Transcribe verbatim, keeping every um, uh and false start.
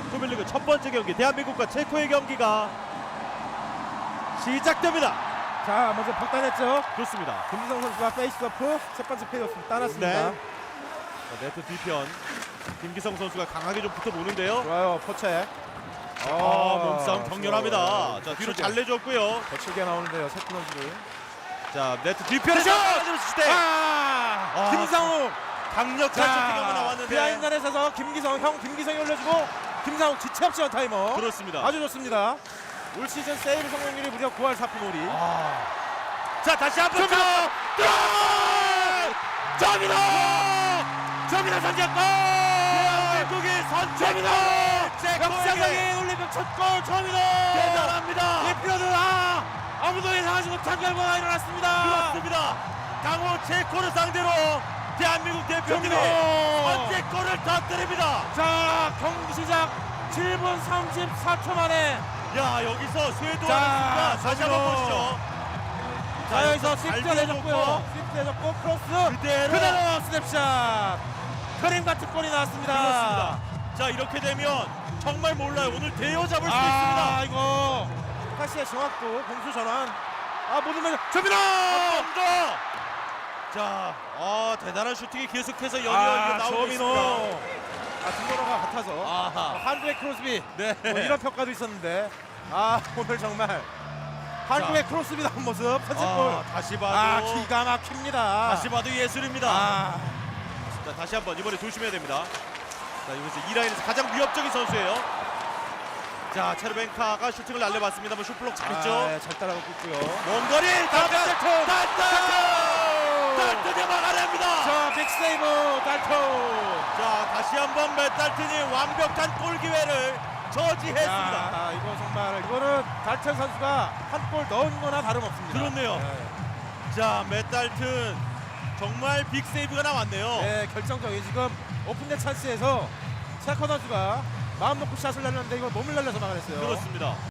조별리그 첫 번째 경기 대한민국과 체코의 경기가 시작됩니다. 자, 먼저 박단했죠. 좋습니다. 김지성 선수가 페이스오프 첫 번째 페이오프 따랐습니다. 네. 자, 네트 뒤편 김기성 선수가 강하게 좀 붙어보는데요. 좋아요, 포체. 아, 몸싸움 격렬합니다. 자, 뒤로 잘 내줬고요. 거칠게 나오는데요, 세트 선수를. 자, 네트 뒤편에서 슛! 때 아! 아, 김상욱! 강력한 슈팅이 한번 나왔는데 비하인드에 서서 김기성, 형 김기성이 올려주고 김상욱 지체 없이 원타이머. 그렇습니다. 아주 좋습니다. 올 시즌 세이브 성공률이 무려 구 할 사 푼 오 리. 아. 자, 다시 한번 점이다! 점이다! 점이다 선제골! 대한민국이 선제입니다. 역사적인 올림픽 첫 골 점이다. 대단합니다. 대표들 아 아무도 예상하지 못한 결과가 일어났습니다. 그렇습니다. 강호 체코를 상대로 대한민국 대표팀이 점이다. 선제골을 터뜨립니다. 자, 경기 시작 칠 분 삼십사 초 만에 야, 여기서 쇄도하는 자, 순간 다시 점이다. 한번 보시죠. 자, 여기서 잘 스위프트 내줬고요. 들어놓고 스위프트 내줬고 크로스 그대로. 그대로 스냅샷. 그림 같은 골이 나왔습니다. 그렇습니다. 자, 이렇게 되면 정말 몰라요. 오늘 대여 잡을 수 아, 있습니다. 이거 카시의 정확도 공수 전환. 아, 모든 면 점이다. 한 번 더. 자, 아, 대단한 슈팅이 계속해서 연이어 아, 나오고 조민호. 있습니다. 아, 등번호가 같아서 아하. 한국의 크로스비 네. 뭐 이런 평가도 있었는데 아, 오늘 정말 한국의 크로스비 나온 모습 선제골. 아, 다시 봐도 아, 기가 막힙니다. 다시 봐도 예술입니다. 아, 자, 다시 한번 이번에 조심해야 됩니다. 자, 여기서 이 라인에서 가장 위협적인 선수예요. 자, 체르벤카가 슈팅을 날려봤습니다만 슈플록 잘했죠. 아, 네, 잘 따라가고 있고요. 먼 거리 달튼 달튼! 달튼 달튼이 막아냅니다. 자, 빅세이브 달토. 자, 다시 한번 맷달튼이 완벽한 골 기회를 저지했습니다. 야, 이거 정말 이거는 달튼 선수가 한 골 넣은 거나 다름없습니다. 그렇네요. 네. 자, 맷달튼 정말 빅 세이브가 나왔네요. 네, 결정적인 지금 오픈된 찬스에서 체코 선수가 마음 놓고 샷을 날렸는데 이거 몸을 날려서 막아냈어요. 그렇습니다.